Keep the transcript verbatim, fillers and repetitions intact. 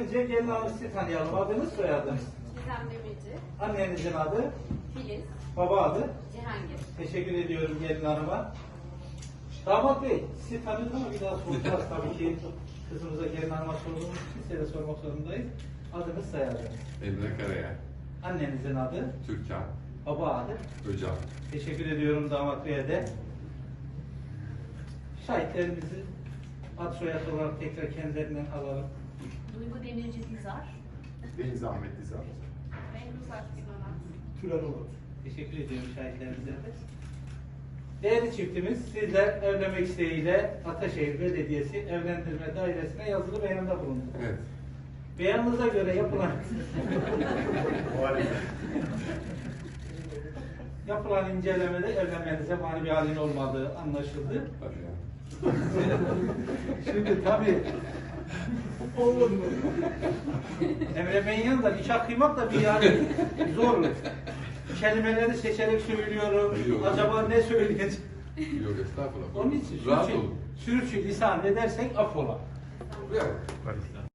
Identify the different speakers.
Speaker 1: önce gelin hanımı sizi tanıyalım. Adınız, soyadınız?
Speaker 2: Gizem Demirci,
Speaker 1: Annenizin adı,
Speaker 2: Filiz,
Speaker 1: baba adı.
Speaker 2: Cihangir.
Speaker 1: Teşekkür ediyorum gelin hanıma. Damat Bey, sizi tanıdık ama bir daha soracağız tabii ki. Kızımıza gelin hanıma sorduğumuz için size de sormak zorundayız. Adınız, soyadınız?
Speaker 3: Emre Karaya,
Speaker 1: Annenizin adı,
Speaker 3: Türkan,
Speaker 1: baba adı.
Speaker 3: Öcal.
Speaker 1: Teşekkür ediyorum damat bey'e de. Şahitlerimizi ad soyad olarak tekrar kendilerinden alalım.
Speaker 2: Duygu Demirci Dizar,
Speaker 4: Deniz Ahmet Dizar.
Speaker 2: Behruz Akgünanan.
Speaker 4: Türanoğlu.
Speaker 1: Teşekkür ediyorum şahitlerimize de. Değerli çiftimiz, sizler evlenmek isteğiyle Ataşehir Belediyesi Evlendirme Dairesi'ne yazılı beyanda bulundu.
Speaker 3: Evet.
Speaker 1: Beyanınıza göre yapılan yapılan incelemede evlenmenize mani bir halin olmadığı anlaşıldı.
Speaker 3: Tabii ya.
Speaker 1: Şimdi tabii olur mu? Emre Bey'in yanında nikah kıymak da bir yani zor. Kelimeleri seçerek söylüyorum.
Speaker 3: Yok.
Speaker 1: Acaba ne söyleyeceğim?
Speaker 3: Yok estağfurullah.
Speaker 1: Onun için
Speaker 3: Rahat
Speaker 1: sürçü,
Speaker 3: olun.
Speaker 1: sürçü lisan edersek affola.
Speaker 3: Yok.